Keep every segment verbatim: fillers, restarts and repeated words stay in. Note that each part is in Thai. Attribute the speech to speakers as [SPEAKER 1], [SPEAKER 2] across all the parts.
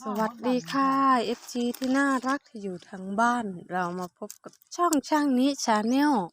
[SPEAKER 1] สวัสดีค่ะ เอฟ จี ที่น่ารักที่อยู่ทางบ้านเรามาพบกับช่องช่างนี้ชาแนล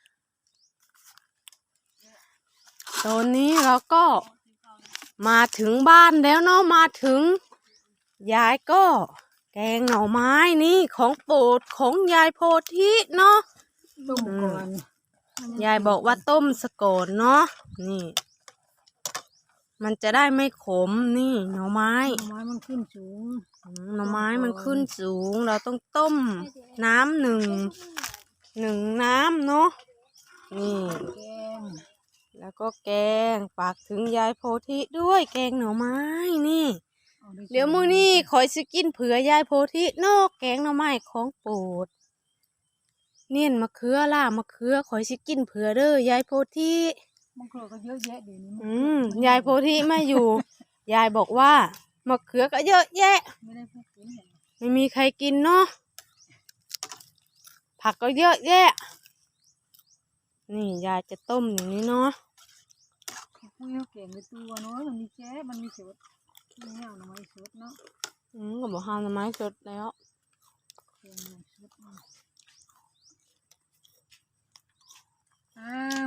[SPEAKER 1] ตอนนี้เราก็มาถึงบ้านแล้วเนาะมาถึงยายก็แกงหน่อไม้นี่ของโปรดของยายโพธิเนาะ
[SPEAKER 2] ต้มก่อน
[SPEAKER 1] ยายบอกว่าต้มสะก่อนเนาะนี่มันจะได้ไม่ขมนี่หน่อไม้
[SPEAKER 2] หน่อไม้มันขึ้นสูง
[SPEAKER 1] หน่อไม้มันขึ้นสูงเราต้องต้มน้ำหนึ่งหนึ่งน้ำเนาะนี่
[SPEAKER 2] แกง
[SPEAKER 1] แล้วก็แกงฝากถึงยายโพธิด้วยแกงหน่อไม้นี่เดี๋ยวมื้อนี้คอยสิกินเผื่อยายโพธิเนอกแกงหน่อไม้ของโปรดเนียนมะเขือล่ามะเขือคอยสิกินเผื่อเด้อยายโพธิ
[SPEAKER 2] มะเขือก็เยอะแยะเดี๋ยวนี้
[SPEAKER 1] อืมยายโพธิไม่อยู่ ยายบอกว่ามะเขือก็เยอะแยะ
[SPEAKER 2] ไม่ได้พูดถึงเนี่ย
[SPEAKER 1] ไม่มีใครกินเนาะผักก็เยอะแยะนี่ยายจะต้มอย่างนี้เนาะ
[SPEAKER 2] คุยเขาเก่งในตัวเนาะมันมีแจ๊มันมีสดมีเงาหน่อไม้สดเนาะ
[SPEAKER 1] อืมก็บอกห้ามทำไมสดแล้ว
[SPEAKER 2] แกงหน่อสดอ้าว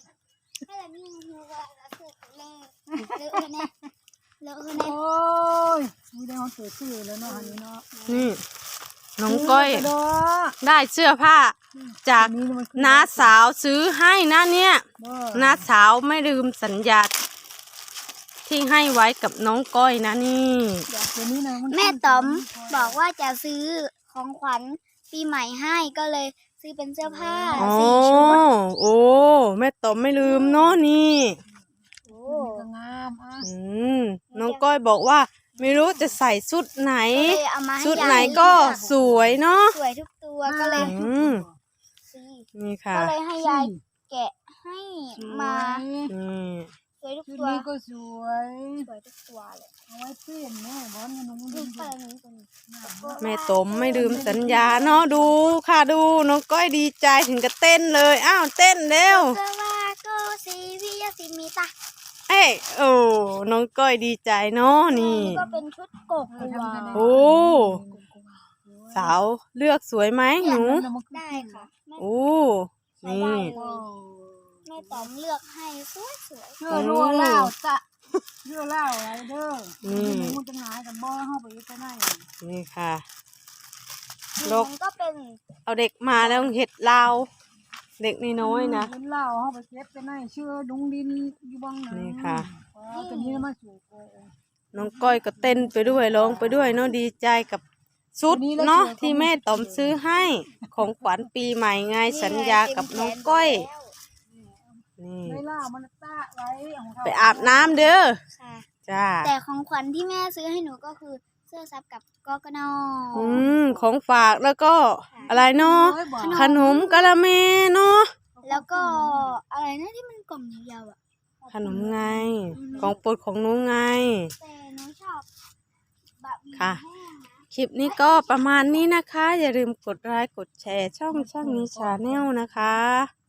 [SPEAKER 2] โอ้ยมีได้เขาเกิดชื่อแล้วเนาะอันนี้เนาะ
[SPEAKER 1] นี่น้องก้อย
[SPEAKER 2] กระโดด
[SPEAKER 1] ได้เสื้อผ้าจากน้าสาวซื้อให้นะเนี่ยน้าสาวไม่ลืมสัญญาที่ให้ไว้กับน้องก้อยนะนี่
[SPEAKER 3] แม่ต๋อมบอกว่าจะซื้อของขวัญปีใหม่ให้ก็เลยซื้อเป็นเสื้อผ้า
[SPEAKER 1] โอ้
[SPEAKER 3] สี่ชุด
[SPEAKER 1] โอ้แม่ต๋อมไม่ลืมเนาะนี่
[SPEAKER 3] โอ้
[SPEAKER 2] ก็งามอ่ะ
[SPEAKER 1] อืมน้องก้อยบอกว่าไม่รู้จะใส่ชุดไหน
[SPEAKER 3] ก็เลยเอามาให้
[SPEAKER 1] ชุด
[SPEAKER 3] ยาย
[SPEAKER 1] ไหนก็สวยเนาะ
[SPEAKER 3] สวยทุกตัวก็เลย
[SPEAKER 1] อืม
[SPEAKER 3] ซื้อ
[SPEAKER 1] นี่ค่ะ
[SPEAKER 3] ก็เลยให้ยายแกะให้มา
[SPEAKER 1] อืม
[SPEAKER 3] สวยทุก
[SPEAKER 2] ชุด
[SPEAKER 3] ตัว
[SPEAKER 2] นี้ก็สวย
[SPEAKER 3] สวยทุกตัวเลย
[SPEAKER 2] เอาไว้เปลี่ยนแม่บอลกันนุ่ง
[SPEAKER 3] ดู
[SPEAKER 2] ดิ้ง
[SPEAKER 3] ไปนี้ตรงนี้
[SPEAKER 1] แม่ต๋มไม่ลืมสัญญาเนาะดูค่ะดูน้องก้อยดีใจถึงกับเต้นเลยอ้าวเต้นเร็ว
[SPEAKER 3] เสื้อว่าก็สีวิยาสีมีตา
[SPEAKER 1] เอ้ยโอ้น้องก้อยดีใจเนาะนี่
[SPEAKER 3] ก็เป็นชุดกบกัว
[SPEAKER 1] โอ้สาวเลือกสวยไหมหนู
[SPEAKER 3] ได้ค่ะแม่
[SPEAKER 1] โอ้นี่
[SPEAKER 3] แม่ต๋อมเลือกให้สวยสวย
[SPEAKER 2] เชื่อรัวเล่าจะเชื่อเล่าอะไรเด้อนี่มันจะหายกันบ่เข้าไปจะได้
[SPEAKER 1] นี่ค่ะ
[SPEAKER 3] ๆ
[SPEAKER 1] โลก
[SPEAKER 3] มันก็เป็น
[SPEAKER 1] เอาเด็กมาแล้วเห็ดลาวเด็กน้อยๆนะ
[SPEAKER 2] เป็นเล่าเข้าไปเก็บจะได้เชื่อดุงดินอยู่บ้างนะ
[SPEAKER 1] นี่ค่ะ
[SPEAKER 2] ตัวนี้มาสู่โก
[SPEAKER 1] น้องก้อยก็เต้นไปด้วยร้องไปด้วยเนาะดีใจกับชุดเนาะที่แม่ต๋อมซื้อให้ของขวัญปีใหม่ไงสัญญากับน้องก้อยนี่
[SPEAKER 2] ไม่เล่ามันตะไว้
[SPEAKER 1] ไปอาบน้ำเด้อ
[SPEAKER 3] ค่ะ
[SPEAKER 1] จ้า
[SPEAKER 3] แต่ของขวัญที่แม่ซื้อให้หนูก็คือเสื้อซับกับกกน
[SPEAKER 1] อืมของฝากแล้วก็อะไรเนาะขนมกะละเมเนาะ
[SPEAKER 3] แล้วก็อะไรนะที่มันกล่องยาวๆอ่ะ
[SPEAKER 1] ขนมไงของโปรดของหนูไง
[SPEAKER 3] แต่หนูชอบบะหมี่
[SPEAKER 1] ค่ะ
[SPEAKER 3] แห้งนะ
[SPEAKER 1] คลิปนี้ก็ประมาณนี้นะคะ อย่าลืมกดไลค์กดแชร์ช่องช่างนี้ชาแนลนะคะ